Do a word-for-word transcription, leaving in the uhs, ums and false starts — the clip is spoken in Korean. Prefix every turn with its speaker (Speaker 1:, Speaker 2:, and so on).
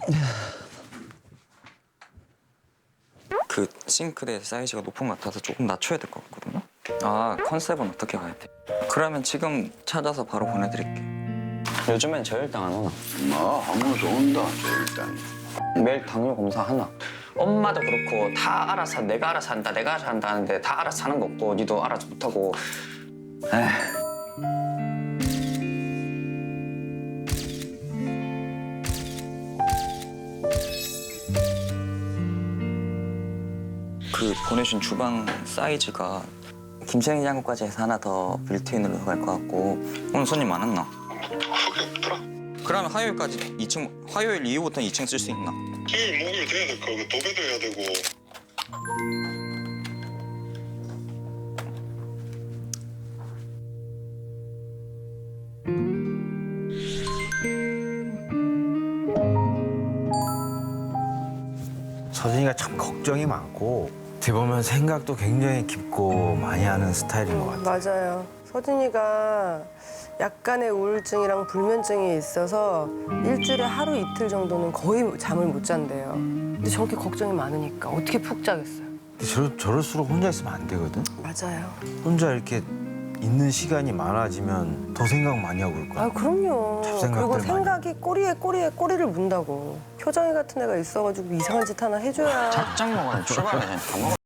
Speaker 1: 그 싱크대 사이즈가 높은 것 같아서 조금 낮춰야 될 것 같거든요. 아, 컨셉은 어떻게 가야 돼? 그러면 지금 찾아서 바로 보내드릴게. 요즘엔 저혈당 안 오나?
Speaker 2: 뭐 하면서 온다 일단.
Speaker 1: 매일 당뇨 검사 하나? 엄마도 그렇고 다 알아서 내가 알아서 한다 내가 알아서 한다 하는데 다 알아서 하는 거 없고 니도 알아서 못하고. 에휴. 그 보내준 주방 사이즈가 김치냉 장고까지 해서 하나 더 빌트인으로 갈 것 같고. 오늘 손님 많았나?
Speaker 2: 그게 없더라.
Speaker 1: 그러면 화요일까지 이 층, 화요일 이후부터는 이 층 쓸 수 있나?
Speaker 2: 토요일 목요일 돼야 될 거고 도배도 해야 되고.
Speaker 3: 서진이가 참 걱정이 많고 어떻게 보면 생각도 굉장히 깊고 많이 하는 스타일인 것 같아요.
Speaker 4: 맞아요. 서진이가 약간의 우울증이랑 불면증이 있어서 일주일에 하루 이틀 정도는 거의 잠을 못 잔대요. 근데 저렇게 걱정이 많으니까 어떻게 푹 자겠어요?
Speaker 3: 근데 저, 저럴수록 혼자 있으면 안 되거든.
Speaker 4: 맞아요.
Speaker 3: 혼자 이렇게 있는 시간이 많아지면 더 생각 많이 하고 그럴 거야.
Speaker 4: 아 그럼요.
Speaker 3: 잡생각들
Speaker 4: 그리고
Speaker 3: 많이.
Speaker 4: 생각이 꼬리에 꼬리에 꼬리를 문다고. 효정이 같은 애가 있어가지고 이상한 짓 하나 해줘야.
Speaker 1: 짝짝 먹어야 출발하자. 다 먹어.